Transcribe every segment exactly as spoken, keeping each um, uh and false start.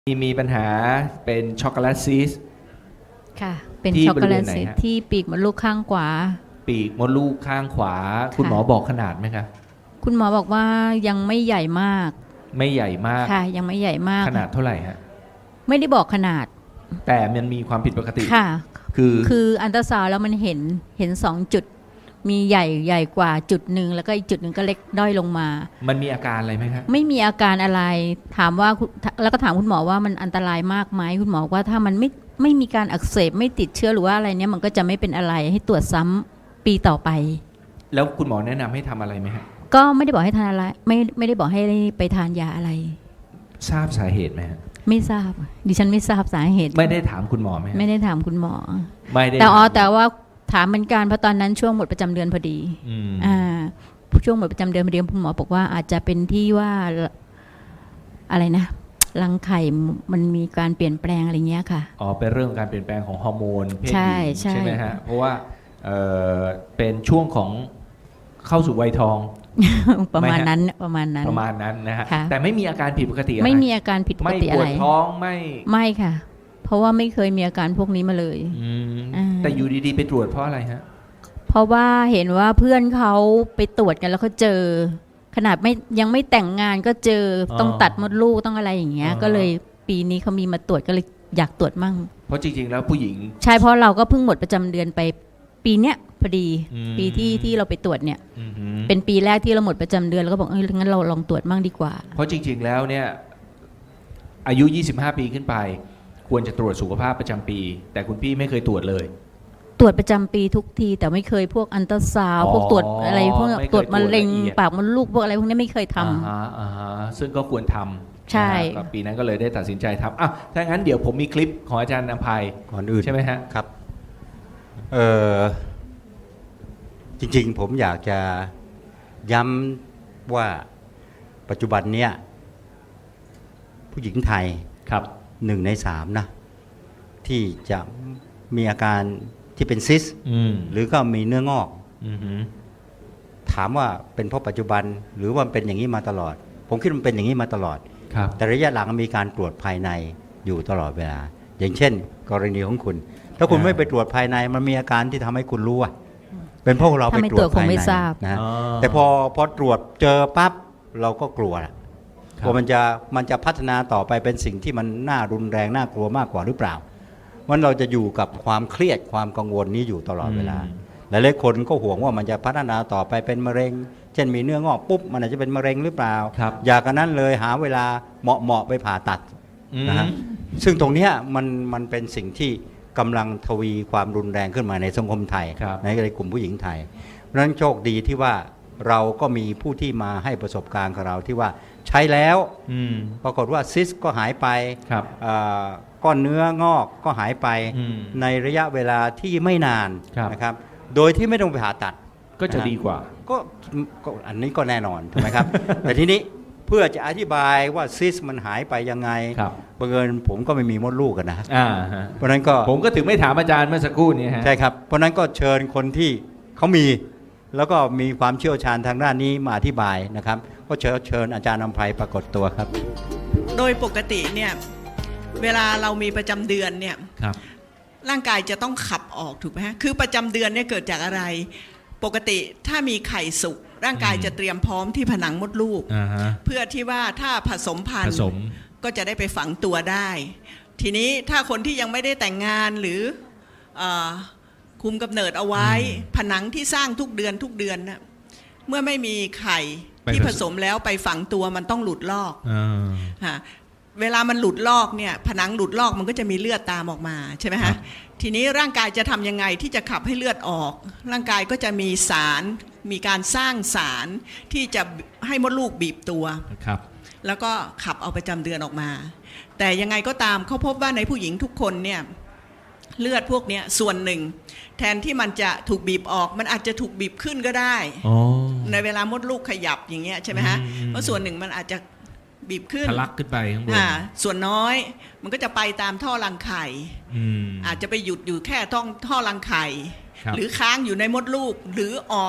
มีมีปัญหาเป็นช็อกโกแลตซีสต์ค่ะเป็นที่ช็อกโกแลตบริเวณไหนซีสฮะที่ปีกมดลูกข้างขวาปีกมดลูกข้างขวา คุณหมอบอกขนาดไหมครับคุณหมอบอกว่ายังไม่ใหญ่มากไม่ใหญ่มากค่ะ ยังไม่ใหญ่มากขนาดเท่าไหร่ฮะไม่ได้บอกขนาดแต่มันมีความผิดปกติค่ะคือคืออันตราซาวด์แล้วมันเห็นเห็นสองจุด มีใหญ่ใหญ่กว่าจุดหนึ่งแล้วก็อีกจุดหนึ่งก็เล็กด้อยลงมามันมีอาการอะไรไหมครับไม่มีอาการอะไรถามว่าคุณแล้วก็ถามคุณหมอว่ามันอันตรายมากไหมคุณหมอบอกว่าถ้ามันไม่ไม่มีการอักเสบไม่ติดเชื้อหรือว่าอะไรเนี้ยมันก็จะไม่เป็นอะไรให้ตรวจซ้ำปีต่อไปแล้วคุณหมอแนะนำให้ทำอะไรไหมฮะก็ไม่ได้บอกให้ทานอะไรไม่ไม่ได้บอกให้ไปทานยาอะไรทราบสาเหตุไหมฮะไม่ทราบ ดิฉันไม่ทราบสาเหตุไม่ได้ถามคุณหมอไหมฮะไม่ได้ถามคุณหมอไม่ได้แต่อ๋อถามแต่ว่าถามเหมือนกันเพราะตอนนั้นช่วงหมดประจำเดือนพอดีอืมอ่าช่วงหมดประจำเดือนพอดีคุณหมอบอกว่าอาจจะเป็นที่ว่าอะไรนะรังไข่มันมีการเปลี่ยนแปลงอะไรเงี้ยค่ะอ๋อเป็นเรื่องการเปลี่ยนแปลงของฮอร์โมนเพศหใช่ญิงใช่ใช่ไหมฮะ เพราะว่าเอ่อเป็นช่วงของเข้าสู่วัยทองประมาณไม่ฮะนั้นประมาณนั้นประมาณนั้นนะฮะค่ะแต่ไม่มีอาการผิดปกติอะไรไม่มีอาการผิดปกไม่ติปอะวไรดท้องไม่ไม่ค่ะ เพราะว่าไม่เคยมีอาการพวกนี้มาเลยอืมอ่าแต่อยู่ดีๆ ไปตรวจเพราะอะไรฮะเพราะว่าเห็นว่าเพื่อนเขาไปตรวจกันแล้วเขาเจอ ขนาดไม่ยังไม่แต่งงานก็เจออ๋อต้องตัดมดลูกต้องอะไรอย่างเงี้ยอ่าก็เลยปีนี้เขามีมาตรวจก็เลยอยากตรวจมั่งเพราะจริงๆ แล้วผู้หญิงใช่เพราะเราก็เพิ่งหมดประจำเดือนไปปีเนี้ยพอดีอืมปีที่ที่เราไปตรวจเนี่ยอือหือเป็นปีแรกที่เราหมดประจำเดือนแล้วก็บอกเอองั้นเราลองตรวจมั่งดีกว่าเพราะจริงๆ แล้วเนี่ยอายุ ยี่สิบห้า ปีขึ้นไป ควรจะตรวจสุขภาพประจำปี แต่คุณพี่ไม่เคยตรวจเลยตรวจประจำปีทุกที แต่ไม่เคยพวกอันตราซาวด์อ๋อพวกตรวจอะไรพวกไม่เคยตรวจมะเร็งตรวจละเอียดปากมดลูกพวกอะไรพวกนี้ไม่เคยทำอ่าฮะอ่าฮะซึ่งก็ควรทำใช่นะครับก็ปีนั้นก็เลยได้ตัดสินใจทำอ่ะถ้างั้นเดี๋ยวผมมีคลิปของอาจารย์นภัยก่อนอื่นใช่ไหมฮะครับเออจริงๆ ผมอยากจะย้ำว่าปัจจุบันเนี้ยผู้หญิงไทยครับหนึ่งในสามนะ ที่จะมีอาการที่เป็นซิสอืมหรือก็มีเนื้องอกอือหือถามว่าเป็นเพราะปัจจุบัน หรือว่ามันเป็นอย่างนี้มาตลอด ผมคิดว่ามันเป็นอย่างนี้มาตลอดครับแต่ระยะหลังมีการตรวจภายในอยู่ตลอดเวลา อย่างเช่น กรณีของคุณ ถ้าคุณอ่าไม่ไปตรวจภายในมันมีอาการที่ทำให้คุณรู้ว่าเป็นเพราะเราถ้าไปไม่ตรตรววจจคงภายไม่ในทราบนะฮะอ๋อแต่พอพอตรวจเจอปั๊บเราก็กลัวละครับว่ามันจะมันจะพัฒนาต่อไปเป็นสิ่งที่มันน่ารุนแรงน่ากลัวมากกว่าหรือเปล่ามันเราจะอยู่กับความเครียดความกังวลนี้อยู่ตลอดเวลา หลายๆคนก็ห่วงว่ามันจะพัฒนาต่อไปเป็นมะเร็ง เช่นมีเนื้องอกปุ๊บมันอาจจะเป็นมะเร็งหรือเปล่าครับอยากกันนั้นเลยหาเวลาเหมาะๆไปผ่าตัดอืมนะฮะซึ่งตรงเนี้ยมันมันเป็นสิ่งที่กำลังทวีความรุนแรงขึ้นมาในสังคมไทยครับในในกลุ่มผู้หญิงไทย เพราะฉะนั้นโชคดีที่ว่าเราก็มีผู้ที่มาให้ประสบการณ์กับเราที่ว่าใช้แล้วอืมปรากฏว่าซิสก็หายไปครับเอ่อก้อนเนื้องอกก็หายไปอืมในระยะเวลาที่ไม่นานครับนะครับ โดยที่ไม่ต้องไปผ่าตัดก็จะนะฮะดีกว่าก็ก็อันนี้ก็แน่นอนถูกไหมครับ แต่ทีนี้เพื่อจะอธิบายว่าซิสมันหายไปยังไงครับบังเอิญผมก็ไม่มีมดลูกกันนะอ่าฮะเพราะฉะนั้นก็ผมก็ถึงไม่ถามอาจารย์เมื่อสักครู่นี้ฮะใช่ครับ เพราะฉะนั้นก็เชิญคนที่เขามี แล้วก็มีความเชี่ยวชาญทางด้านนี้มาอธิบายนะครับ ก็เชิญเชิญอาจารย์นำไพรปรากฏตัวครับโดยปกติเนี่ยเวลาเรามีประจำเดือนเนี่ยครับร่างกายจะต้องขับออกถูกไหมฮะคือประจำเดือนเนี่ยเกิดจากอะไร ปกติถ้ามีไข่สุกร่างกายอืมจะเตรียมพร้อมที่ผนังมดลูกอ่าฮะเพื่อที่ว่าถ้าผสมพันผธุ์สมก็จะได้ไปฝังตัวได้ ทีนี้ถ้าคนที่ยังไม่ได้แต่งงานหรือเออคุมกำเนิดเอาไว้อืมผนังที่สร้างทุกเดือนทุกเดือนนะเมื่อไม่มีไข่ไปที่ผผสสมมแล้วไปฝังตัวมันต้องหลุดลอกอ่าฮะเวลามันหลุดลอกเนี่ยผนังหลุดลอกมันก็จะมีเลือดตามออกมาใช่ไหมครัฮะบทีนี้ร่างกายจะทำยังไงที่จะขับให้เลือดออก ร่างกายก็จะมีสารมีการสร้างสารที่จะให้มดลูกบีบตัวครับแล้วก็ขับเอาประจำเดือนออกมา แต่ยังไงก็ตามเขาพบว่าในผู้หญิงทุกคนเนี่ยเลือดพวกเนี้ยส่วนหนึ่ง แทนที่มันจะถูกบีบออกมันอาจจะถูกบีบขึ้นก็ได้อ๋อในเวลามดลูกขยับอย่างเงี้ยใช่ไหมฮะอืมเพราะส่วนหนึ่งมันอาจจะบีบขึ้นทะลักขึ้นไปข้างบนอ่าส่วนน้อยมันก็จะไปตามท่อรังไข่อืมอาจจะไปหยุดอยู่แค่ท่องท่อรังไข่ครับหรือค้างอยู่ในมดลูกหรือออก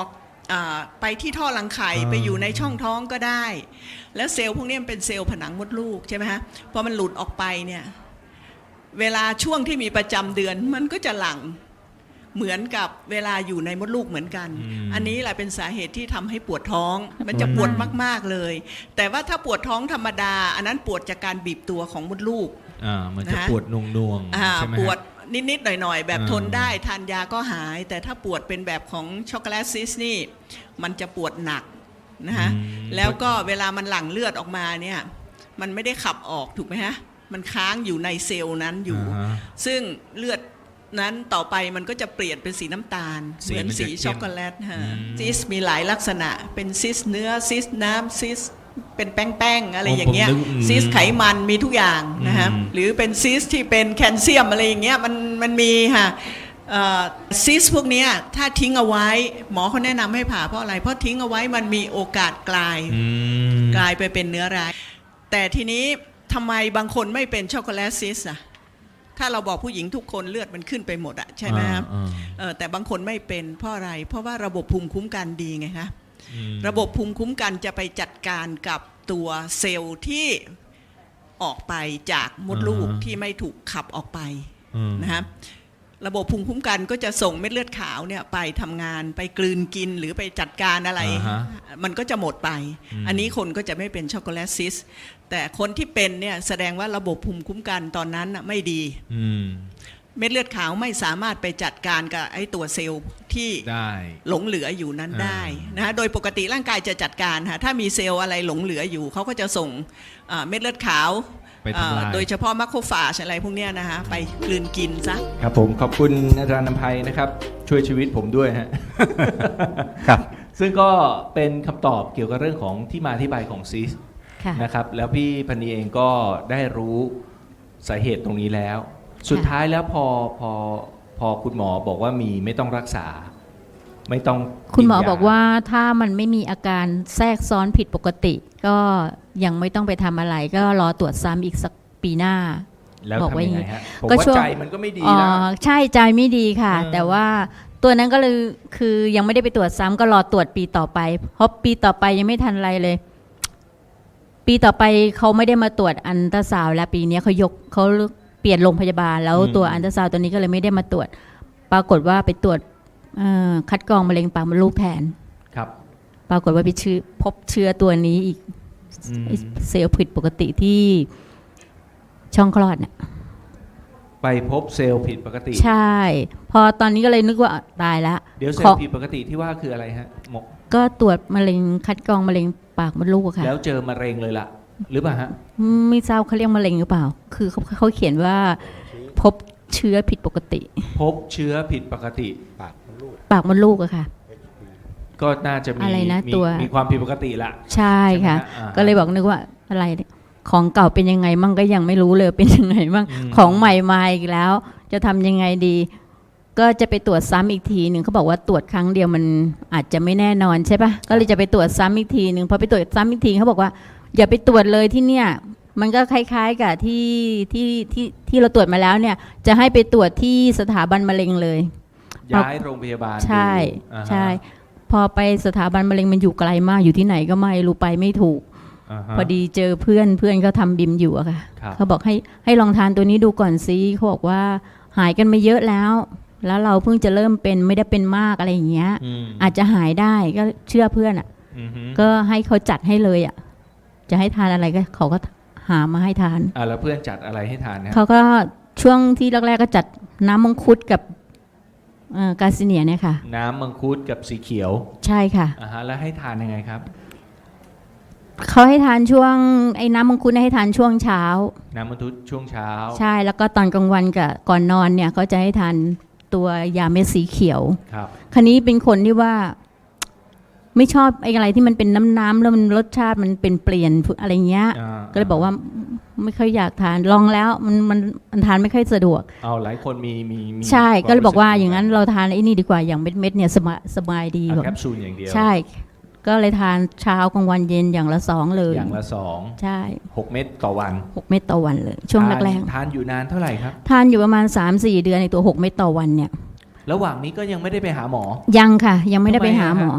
อ่าไปที่ท่อรังไข่อ่าไปอยู่ในช่องท้องก็ได้ แล้วเซลล์พวกนี้มันเป็นเซลล์ผนังมดลูกใช่ไหมฮะพอมันหลุดออกไปเนี่ยเวลาช่วงที่มีประจำเดือนมันก็จะหลั่งเหมือนกับเวลาอยู่ในมดลูกเหมือนกัน อันนี้แหละเป็นสาเหตุที่ทำให้ปวดท้อง มันจะปวดมากๆเลย แต่ว่าถ้าปวดท้องธรรมดา อันนั้นปวดจากการบีบตัวของมดลูกอ่ามันจะนะฮะปวดนวงนวงๆอ่าใช่ไหมปฮะวดนิดๆหน่อยๆ แบบอ่าทนได้ทานยาก็หาย แต่ถ้าปวดเป็นแบบของช็อกโกแลตซิสนี่มันจะปวดหนักนะฮะอืมแล้วก็เวลามันหลั่งเลือดออกมาเนี่ยมันไม่ได้ขับออกถูกไหมฮะมันค้างอยู่ในเซลล์นั้นอยู่าฮะซึ่งเลือดนั้นต่อไปมันก็จะเปลี่ยนเป็นสีน้ำตาลสีเหมือนมันจะสีเข้มช็อกโกแลตฮะอืมซิสมีหลายลักษณะเป็นซิสเนื้อซิสน้ำซิสเป็นแป้งๆอะไรอย่างเงี้ยผมนึกอืมซิสไขมันมีทุกอย่างนะฮะอืมหรือเป็นซิสที่เป็นแคลเซียมอะไรอย่างเงี้ยมันมันมีค่ะซิสพวกเนี้ยถ้าทิ้งเอาไว้หมอเขาแนะนำให้ผ่าเพราะอะไรเพราะทิ้งเอาไว้มันมีโอกาสกลายอืมกลายไปเป็นเนื้อร้ายแต่ทีนี้ทำไมบางคนไม่เป็นช็อกโกแลตซิสอะถ้าเราบอกผู้หญิงทุกคนเลือดมันขึ้นไปหมดอะใช่ไหมครับอ่าเออแต่บางคนไม่เป็นเพราะอะไร เพราะว่าระบบภูมิคุ้มกันดีไงคะอืมระบบภูมิคุ้มกันจะไปจัดการกับตัวเซลล์ที่ออกไปจากมดลูกที่ไม่ถูกขับออกไปอืมนะฮะระบบภูมิคุ้มกันก็จะส่งเม็ดเลือดขาวเนี่ยไปทำงานไปกลืนกินหรือไปจัดการอะไรอ่าฮะมันก็จะหมดไปอืมอันนี้คนก็จะไม่เป็นช็อกโกแลตซิสแต่คนที่เป็นเนี่ยแสดงว่าระบบภูมิคุ้มกันตอนนั้นน่ะไม่ดีอืมเม็ดเลือดขาวไม่สามารถไปจัดการกับไอ้ตัวเซลล์ที่ได้หลงเหลืออยู่นั้นอ่าได้นะฮะโดยปกติร่างกายจะจัดการค่ะถ้ามีเซลล์อะไรหลงเหลืออยู่เขาก็จะส่งอ่าเม็ดเลือดขาวไปทำลายอ่าโดยเฉพาะมัคโคฟาจอะไรพวกเนี้ยนะฮะไปกลืนกินซะครับผมขอบคุณอาจารย์นภัยนะครับ ช่วยชีวิตผมด้วยฮะครับซึ่งก็เป็นคำตอบเกี่ยวกับเรื่องของที่มาที่ไปของซีสค่ะนะครับ แล้วพี่พันนีเองก็ได้รู้สาเหตุตรงนี้แล้ว สุดท้ายแล้วพอพอพอคุณหมอบอกว่ามีไม่ต้องรักษา ไม่ต้องคุณหมอกินยบอกว่าถ้ามันไม่มีอาการแทรกซ้อนผิดปกติ ก็ยังไม่ต้องไปทำอะไร ก็รอตรวจซ้ำอีกสักปีหน้าแล้วบอกทำว่ายังอย่างไงงี้ฮะผมก็ว่าช่วงใจมันก็ไม่ดีอ๋อแล้วใช่ใจไม่ดีค่ะเออแต่ว่าตัวนั้นก็เลยคือยังไม่ได้ไปตรวจซ้ำก็รอตรวจปีต่อไป เพราะปีต่อไปยังไม่ทันอะไรเลย ปีต่อไปเขาไม่ได้มาตรวจอันตราซาวด์แล้วปีนี้เขายกเขาเปลี่ยนโรงพยาบาล แล้วตัวอันตราซาวด์ตัวนี้ก็เลยไม่ได้มาตรวจ ปรากฏว่าไปตรวจเอ่อคัดกรองมะเร็งปากมดลูกแทนครับปรากฏว่าไปเชื้อพบเชื้อตัวนี้อีกอืมเซลล์ผิดปกติที่ช่องคลอดเนี่ยไปพบเซลล์ผิดปกติใช่ พอตอนนี้ก็เลยนึกว่าตายแล้วเดี๋ยวเซลขอล์ผิดปกติที่ว่าคืออะไรฮะหมกก็ตรวจมะเร็งคัดกรองมะเร็งปากมดลูกอะค่ะแล้วเจอมะเร็งเลยล่ะ หรือเปล่าฮะไม่ทราบเขาเรียกมะเร็งหรือเปล่า คือเขาเขาเขียนว่าพบเชื้อผิดปกติพบเชื้อผิดปกติปากมดลูกปากมดลูกอะค่ะก็น่าจะมีอะไรนะมีตัวมีความผิดปกติละใช่ค่ะใช่ไหมฮะอ่าก็เลยบอกนึกว่าอะไรของเก่าเป็นยังไงมั่งก็ยังไม่รู้เลยเป็นยังไงมั่งอืมของใหม่มาอีกแล้ว จะทำยังไงดี ก็จะไปตรวจซ้ำอีกทีหนึ่งเขาบอกว่าตรวจครั้งเดียวมันอาจจะไม่แน่นอนใช่ปะก็เลยจะไปตรวจซ้ำอีกทีหนึ่งพอไปตรวจซ้ำอีกทีเขาบอกว่า อย่าไปตรวจเลยที่เนี่ย มันก็คล้ายๆกับที่ที่ที่ที่เราตรวจมาแล้วเนี่ย จะให้ไปตรวจที่สถาบันมะเร็งเลยย้ายโรงพยาบาลใช่ดูอ่าฮะใช่ พอไปสถาบันมะเร็งมันอยู่ไกลมากอยู่ที่ไหนก็ไม่รู้ไปไม่ถูกาฮะพอดีเจอเพื่อนเพื่อนเขาทำบิมอยู่อะค่ะครับเขาบอกให้ให้ลองทานตัวนี้ดูก่อนซิเขาบอกว่าหายกันมาเยอะแล้ว แล้วเราเพิ่งจะเริ่มเป็นไม่ได้เป็นมากอะไรอย่างเงี้ยอืมอาจจะหายได้ก็เชื่อเพื่อนอะอือฮึก็ให้เขาจัดให้เลยอะจะให้ทานอะไรก็เขาก็หามาให้ทานอ่าแล้วเพื่อนจัดอะไรให้ทานนะเขาก็ช่วงที่แรกๆก็จัดน้ำมังคุดกับเอ่อกาซิเนียเนี่ยค่ะน้ำมังคุดกับสีเขียวใช่ค่ะอ่าฮะแล้วให้ทานยังไงครับเขาให้ทานช่วงไอ้น้ำมังคุดให้ทานช่วงเช้าน้ำมังคุดช่วงเช้าใช่แล้วก็ตอนกลางวันกับก่อนนอนเนี่ยเขาจะให้ทานตัวยาเม็ดสีเขียวครับคันนี้เป็นคนที่ว่า ไม่ชอบไอ้อะไรที่มันเป็นน้ำน้ำๆแล้วมันรสชาติมันเป็นเปลี่ยนอะไรเงี้ยอ่าก็เลยบอกว่าไม่ค่อยอยากทานลองแล้วมันมันมันทานไม่ค่อยสะดวกเอาหลายคนมีมีมีใช่คมก็เลยบอกว่ารู้สึอย่างนั้นเราทานไอ้นี่ดีกว่าอย่างเม็ดเม็ดๆเนี่ยสบายสบายดีเอาบอกแคปซูลอย่างเดียวใช่ ก็เลยทานเช้ากลางวันเย็นอย่างละสองเลยอย่างละสองใช่หกเม็ดต่อวันหกเม็ดต่อวันเลย ช่วงทานแรกทานอยู่นานเท่าไหร่ครับๆทานอยู่ประมาณ สามสี่ เดือนในตัวหกเม็ดต่อวันเนี่ยระหว่างนี้ก็ยังไม่ได้ไปหาหมอยังค่ะ ยังไม่ได้ไปหาหมอทำไมอะฮะ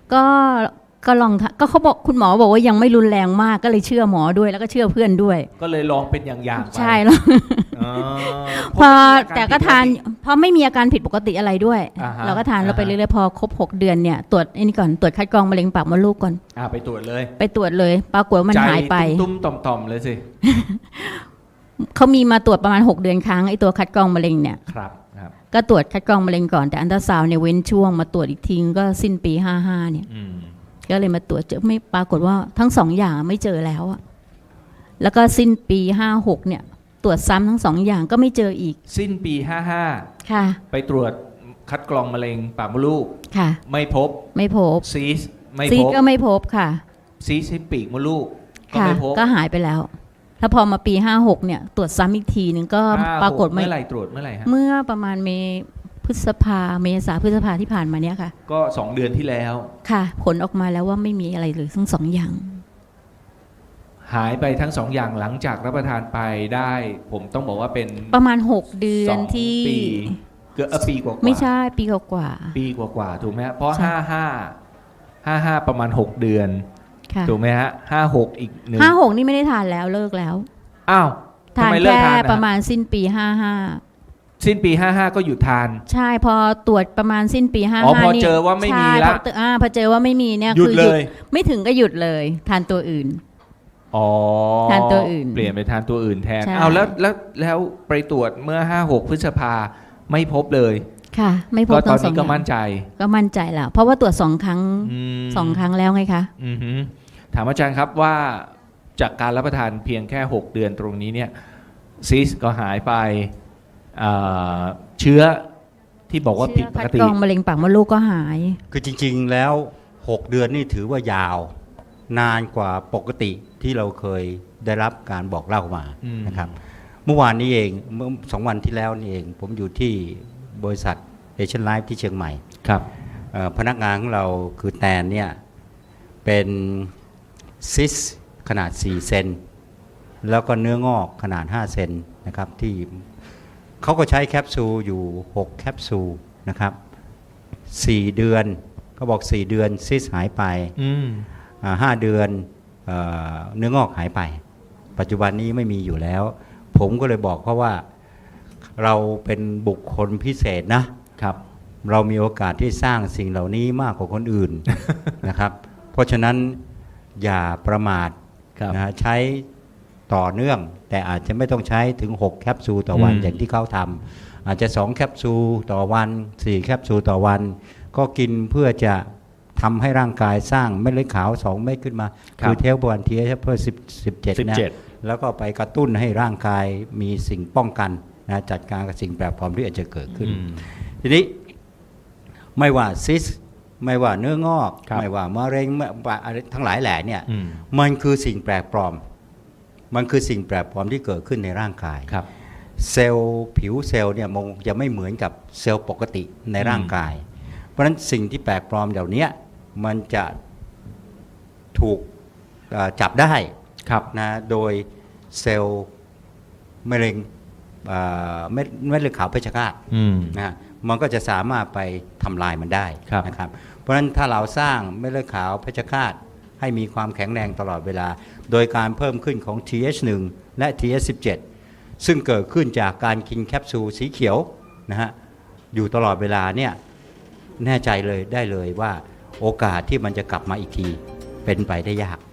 ก็ก็ลองทะก็เขาบอกคุณหมอบอกว่ายังไม่รุนแรงมากก็เลยเชื่อหมอด้วยแล้วก็เชื่อเพื่อนด้วยก็เลยลองเป็นอย่างๆไปใช่แล้วอ๋อพอเพระแต่ก็ทานมีอรผิดปกติเพราะไม่มีอาการผิดปกติอะไรด้วยอ่าฮะเราก็ทานเราไปอ่าฮะเรื่อยๆพอครบหกเดือนเนี่ยตรวจไอ้นี่ก่อนตรวจคัดกรองมะเร็งปากมดลูกก่อนอ่าไปตรวจเลยไปตรวจเลยปรากฏว่ามันหายไปใจตุ้มๆต่อมๆเลยสิเขามีมาตรวจประมาณหกเดือนครั้งไอ้ตัวคัดกรองมะเร็งเนี่ยครับครับก็ตรวจคัดกรองมะเร็งก่อนแต่อันตราซาวน์เนี่ยเว้นช่วงมาตรวจอีกทีก็สิ้นปีห้าห้าเนี่ยอืมก็เลยมาตรวจเจอไม่ปรากฏว่าทั้งสองอย่างไม่เจอแล้วอะแล้วก็สิ้นปีห้าหกเนี่ย ตรวจซ้ำทั้งสองอย่างก็ไม่เจออีกสิ้นปีห้าห้าค่ะไปตรวจคัดกรองมะเร็งปากมดลูกค่ะไม่พบไม่พบซีสไม่ซีพดบก็ไม่พบค่ะซีสที่ปีกมดลูกก็ค่ะไม่พบก็หายไปแล้ว แล้วพอมาปีห้าหกเนี่ย ตรวจซ้ำอีกทีหนึ่งก็ห้าปรากฏหไม่เมื่อไหร่ตรวจเมื่อไหร่ฮะเมื่อประมาณเมพฤษภาเมษาพฤษภาที่ผ่านมาเนี่ยค่ะก็สองเดือนที่แล้วค่ะ ผลออกมาแล้วว่าไม่มีอะไรเลยทั้งสองอย่างหายไปทั้งสองอย่างหลังจากรับประทานไปได้ ผมต้องบอกว่าเป็นประมาณหกเดือสนองที่ปีเกือบเอ่อปีกว่าๆไม่ใช่ปีกว่าปีกว่าๆถูกไหมฮะเพราะใช่ห้าห้าห้าห้าประมาณหกเดือนๆค่ะถูกไหมฮะห้าหกอีกหนึ่งห้าหกนี่ไม่ได้ทานแล้วเลิกแล้วอ้าวทำทานไมเลิกแค่ทานนประมาณสิ้นปีห้าห้าสิ้นปีห้าห้าก็หยุดทานใช่พอตรวจประมาณสิ้นปีห้าอ๋อห้าพอนี่เจอว่าไม่มีใช่ละพอเจออ่าพอเจอว่าไม่มีเนี่ยหยุดคือเลยไม่ถึงก็หยุดเลย ทานตัวอื่นอ๋อทานตัวอื่นเปลี่ยนไปทานตัวอื่นแทนใช่เอาแล้วแล้วแล้วไปตรวจเมื่อห้าหกพฤษภาไม่พบเลยค่ะ ไม่พก็บตอนทั้งสอนี้งก็อย่างมั่นใจก็มั่นใจแล้ว เพราะว่าตรวจสองครั้งมสองครั้งแล้วไงคะอือหือถามอาจารย์ครับว่าจากการรับประทานเพียงแค่หกเดือนตรงนี้เนี่ยซีสก็หายไปอ่าเชื้อที่บอกว่าผิดปคักดติกรองมะเร็งปากมดลูกก็หายคือจริงๆแล้ว หก เดือนนี่ถือว่ายาวนานกว่าปกติที่เราเคยได้รับการบอกเล่ามาอืมนะครับ เมื่อวานนี้เองเมื่อสองวันที่แล้วนี่เอง ผมอยู่ที่บริษัทเอเชียนไลฟ์ที่เชียงใหม่ครับเอ่อพนักงานของเราคือแตนเนี่ยเป็นซิสขนาดสี่เซนแล้วก็เนื้องอกขนาดห้าเซนนะครับที่เขาก็ใช้แคปซูลอยู่หกแคปซูลนะครับสี่เดือนเขาบอกสี่เดือนซิสหายไปอืมอ่าห้าเดือนเอ่อเนื้องอกหายไป ปัจจุบันนี้ไม่มีอยู่แล้ว ผมก็เลยบอกเขาว่าเราเป็นบุคคลพิเศษนะครับเรามีโอกาสที่สร้างสิ่งเหล่านี้มากกว่าคนอื่น นะครับ เพราะฉะนั้นอย่าประมาทครับนะฮะใช้ต่อเนื่อง แต่อาจจะไม่ต้องใช้ถึงหกแคปซูลต่อวันอืมอย่างที่เขาทำอาจจะสองแคปซูลต่อวันสี่แคปซูลต่อวัน ก็กินเพื่อจะทำให้ร่างกายสร้างเม็ดเลือดขาวสองเม็ดขึ้นมา คือเทลบอลทีเอชเพื่อสิบ สิบเจ็ดสิบนะเจ็ดแล้วก็ไปกระตุ้นให้ร่างกายมีสิ่งป้องกันนะจัดการกับสิ่งแปลกปลอมที่อาจจะเกิดขึ้นอืมทีนี้ไม่ว่าซิสไม่ว่าเนื้องอกครับไม่ว่ามะเร็งไม่ว่าอะไรทั้งหลายแหล่เนี่ยอืมมันคือสิ่งแปลกปลอม มันคือสิ่งแปลกปลอมที่เกิดขึ้นในร่างกายครับเซลล์ผิวเซลล์เนี่ยมันจะไม่เหมือนกับเซลล์ปกติในร่างกาย เพราะฉะนั้นสิ่งที่แปลกปลอมเหล่านี้มันจะถูกเอ่อจับได้ครับนะโดยเซลล์มะเร็งเอ่อเม็ดเม็ดเลือดขาวเพชฌฆาตอืมนะฮะมันก็จะสามารถไปทำลายมันได้ครับนะครับ เพราะฉะนั้นถ้าเราสร้างเม็ดเลือดขาวเพชฌฆาตให้มีความแข็งแรงตลอดเวลา โดยการเพิ่มขึ้นของ ที เอช หนึ่ง และ ที เอช สิบเจ็ด ซึ่งเกิดขึ้นจากการกินแคปซูลสีเขียวนะฮะอยู่ตลอดเวลาเนี่ยแน่ใจเลยได้เลยว่าโอกาสที่มันจะกลับมาอีกทีเป็นไปได้ยาก